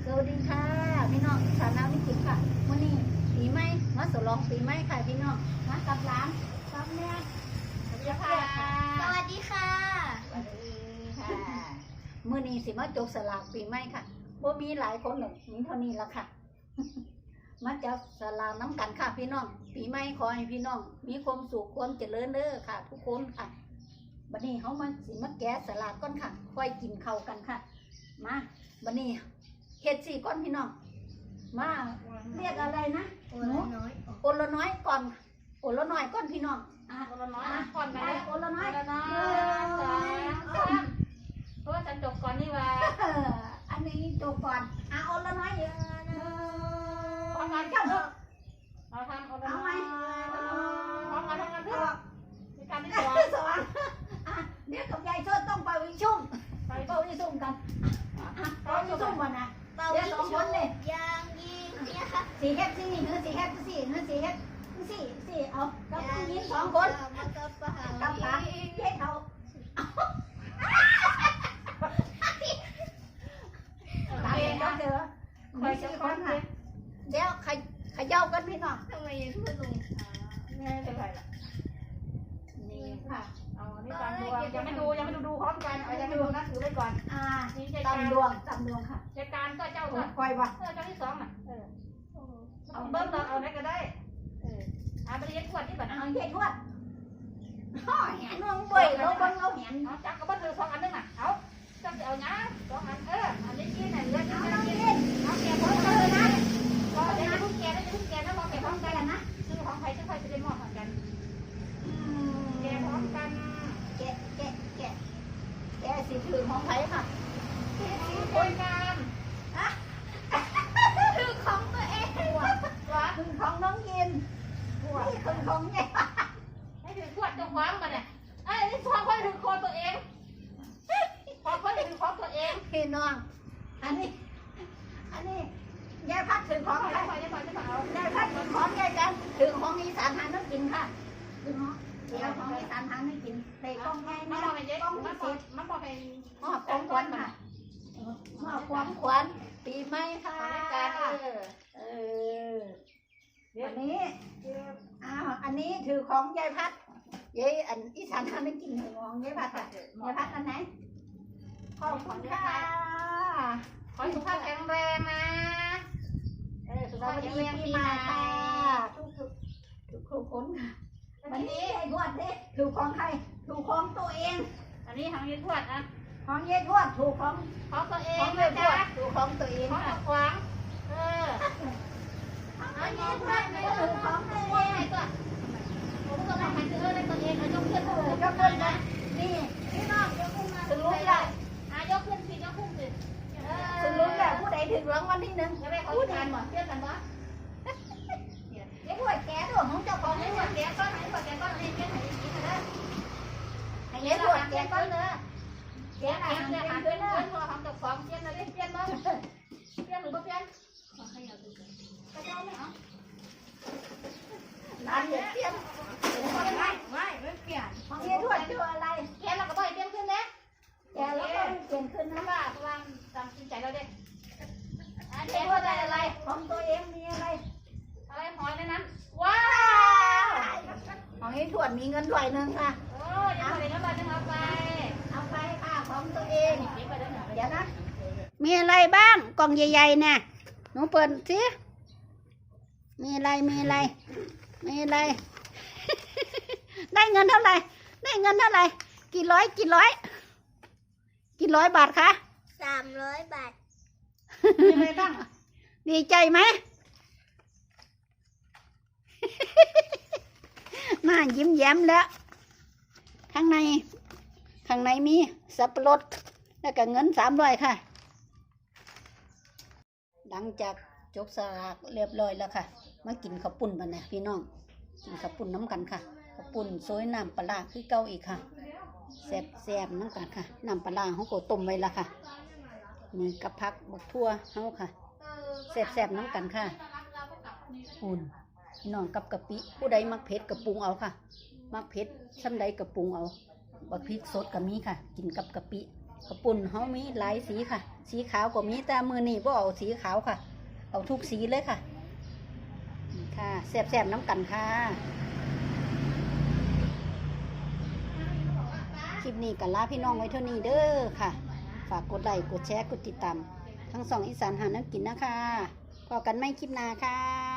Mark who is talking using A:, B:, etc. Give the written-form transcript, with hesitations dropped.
A: วัสดีค่ะพี่น้องสาวน้ำวิจิตรค่ะวันนี้ปีใหม่มาสลองปีใหม่ค่ะพี่น้องมากับร้านกับแม่สวัสดีค่ะ
B: สวัสดีค่ะ
A: สวัสดีค่ะมื้อนี้สิมาจกสลากปีใหม่ค่ะบ่มีหลายคนหรอกมีเท่านี้ละค่ะ มาจับสลากน้ำกันค่ะพี่น้องปีใหม่ขอให้พี่น้องมีความสุขความเจริญเด้อค่ะ ทุกคนค่ะบัดนี้เขามาสิมาแกะสลากก่อนค่ะค่อยกินข้าวกันค่ะมาบัดนี้เฮ็ดสี่ก้อนพี่น้องมาเรียกอะไรนะ
B: โอ้ละน้อย
A: โอละน้อยก่อนโอละน้อยก่อนพี่น้องโอละน้อยก่อนไปโอละน้อย
C: เพราะว่าฉันจบก่อนนี่ว่า
A: อันนี้จบก่อนโอละน้อยเยอะ
C: พร้อมกัน
A: เจ้า
C: เราทำ
A: เอาไหม
C: พร้อมกันทำกันเพื่อมีการที่
A: ส
C: สอง
A: อนเดี๋ยวกับยายชดต้องไปวิชุ่มไปเป่าวิชุ่มกันเป่าวิชุ่มวันนะ
B: เป่า
A: เดี๋ยวสองคนเลย
B: ยางยิงเนี่ยค่ะ
A: สี่เฮ็ดสี่เนื้อสี่เฮ็ดสี่เนื้อสี่เฮ็ดสี่เอากับผู้หญิงสองคน
B: มากับปะหา
A: กับขาเฮ็ดเอาตามเองก็เจอ
C: คอยจะคอย
A: ค่ะเดี๋ยวขย่ากันพี่น้อง
B: ทำไมยังพูดลง
C: แม่เป็นไรล่ะ
A: นี่ค่ะ
C: เอานี่การดูยังไม่ดูพร้อมกันเอายังไม่ดูนะถือไว้ก่อนนี่ใจการ
A: ตำดวงค่ะ
C: ใจการก็เจ้าก็
A: คอยว่า
C: เจ้าที่สองน่ะเอาเบิ้มเราเอาไหนก็ได้ไปเรียนขวดที่บ้าน
A: เอาเฮ็ดทวดห่อแหนน้องเว้ยเราเบิ่งเอาแหน
C: เอาจักก็บ้านเธอสองอันนึงน่ะเอาจักเอาเนี้ยสองอันอันนี้กินน่ะเลือด
A: เอา
C: กิน
A: น้อง
C: กิน
A: เล่น
C: เอาแกพร้อมกันเลยนะพอเดี๋ยวจะพุ่งแกแล้วจะพุ่งแกแล้วพอแกพร้อมกันนะซื้อของใครซื้อใครจะได้มอบเหมือนกันแกพร้อมกัน
A: แกะสิถือของไผค่ะ
C: คนงาน
A: ถือของตัวเองถือของน้องยินนี่คือของใหญ่
C: ให้ถือขวดจะคว้างมาเนี่ยไอ้นี่ทองค่อยถือคอตัวเองทองค่อยถือคอตัวเอง
A: พี่น้องอันนี้ยายพัดถือของ
C: ขอ
A: ใคร
C: จะขอจะขอจะขอเอา
A: ยายพัดถือของยายกันถือของอีสานหาน้ำกินค่ะถือของเดี๋ยวของอีสานหาน้ำกินเตะกล้องใหญ่
C: มั
A: นะ
C: นบอกไปเจ๊
A: กล้อง
C: มั
A: พิ
C: น
A: เศ
C: บอก
A: ษ
C: มันบอกไป
A: มอบของขวัญค่ะมอบของขวัญปีใหม่ค่ะ
C: การ
A: เอออันนี้อันนี้ถือของยายพัดยายอันอีสานทำไม่กินของยายพัดอ่ะยายพัดอันไหนขอบคุณค่ะ
C: ขอสุขภาพแข็งแรงนะสุข
A: ส
C: ภาพ
A: วัส
C: แข็ง
A: ดี
C: แรง
A: ปี
C: ปี
A: ให
C: ให
A: ม่
C: ม่
A: ค่ะทุกคนค่ะวันนี้ไอ้ทวดเนี่ยถูกของใครถูกของตัวเอง
C: อันนี้ทางยืนทวดนะ
A: ของยายทวดถูกของ
C: ของตัวเอ
A: ข
C: ง
A: อง
C: นะ
A: ยายท
C: จ๊ะ
A: วดถูกของตัวเอง
C: ของ
A: ค่ะ
C: ขวาง
A: อันนี้ทวดไม่ถูกของตัว
C: ว่า
A: เอ
C: ไง
A: ง
C: ก็ผมก็ต้องไปซื้อในตัวเองยกขึ้น
A: ยกขึ้นนะนี่พี่น้องยกขึ้นมาถึงรู้แล้ว
C: ยกขึ้นสิยกขึ้นสิ
A: ถึงรู้แล้วผู้ใดถึงรางวัลที่หนึ่ง
C: จะไปเขาทานหมดเชื่อกันปะ
A: ไอ้พวกแกตัวของเจ้าของ
C: ให้
A: ไอ้
C: ห
A: พ
C: ม
A: ว
C: ด
A: ก
C: แกก็ให้หมดแกก็ให้เชื่อให้กินนะ
A: ไอ้พวกแกก็เลย
C: แกหาเงินหาเงินพอทำกับของเชื่อนะเล่นเชื่อบ้างเชื่อหรือไม่เชื่อก็จะไม่เอา
A: ร้านเด็ดเตี้ยม
C: ไม่เปลี่ยน
A: ของไอ้ทวดชื่ออะไร
C: แกเราก็บ่อยเปลี่ยนขึ้นนะ
A: แกแล้วก็เปลี่ยนขึ้น
C: นะ
A: นะ
C: ว่าพลังตามใจเราเด็ก
A: ไอ้ทวดได้อะไรของตัวเองมีอะไร
C: อะไรหอยในนั้นว้าว
A: ของไอ้ทวดมีเงินด้วยนึงค่ะ
C: โอ้ยยังไม่ได้เงินบาทนึงเอาไป
A: เอาไปค่ะของตัวเอง
C: เก็บไปแล้วหน่อย
A: เดี๋ยวนะมีอะไรบ้างกล่องใหญ่ๆน่ะหนูเปิดสิมีอะไรมีอะไร ได้เงินเท่าไหร่ได้เงินเท่าไหร่กี่ร้อยบาทคะ
B: 300 บาท
A: มีอะไรบ้างดีใจไหม หน้ายิ้มแย้มแล้วข้างในมีสับปะรดแล้วก็เงิน300ค่ะหลังจากจบสลากเรียบร้อยแล้วค่ะมากินข้าวปุ้นกันนะพี่น้องกินข้าวปุ้นน้ำกันค่ะข้าวปุ้นโซยน้ำปลาคือเก่าอีกค่ะแซ่บน้ำกันค่ะน้ำปลาเขาก็ต้มไว้แล้วค่ะมีกระพักบักทั่วเขาค่ะแซ่บน้ำกันค่ะอุ่นพี่น้องกับกะปิผู้ใดมักเผ็ดกระปุงเอาค่ะมักเผ็ดซ้ำใดกระปุงเอาบักพริกสดกับมีค่ะกินกับกะปิข้าวปุ่นเฮามีหลายสีค่ะ สีขาวก็มีแต่มือนี่บ่เอาสีขาวค่ะ เอาทุกสีเลยค่ะนี่ค่ะแซ่บๆน้ำกันค่ะคลิปนี้กันลาพี่น้องไว้เท่านี้เด้อค่ะ ฝากกดไลค์กดแชร์กดติดตามทั้งสองอีสานหาน้ำกินนะคะพอกันไม่คลิปหน้าค่ะ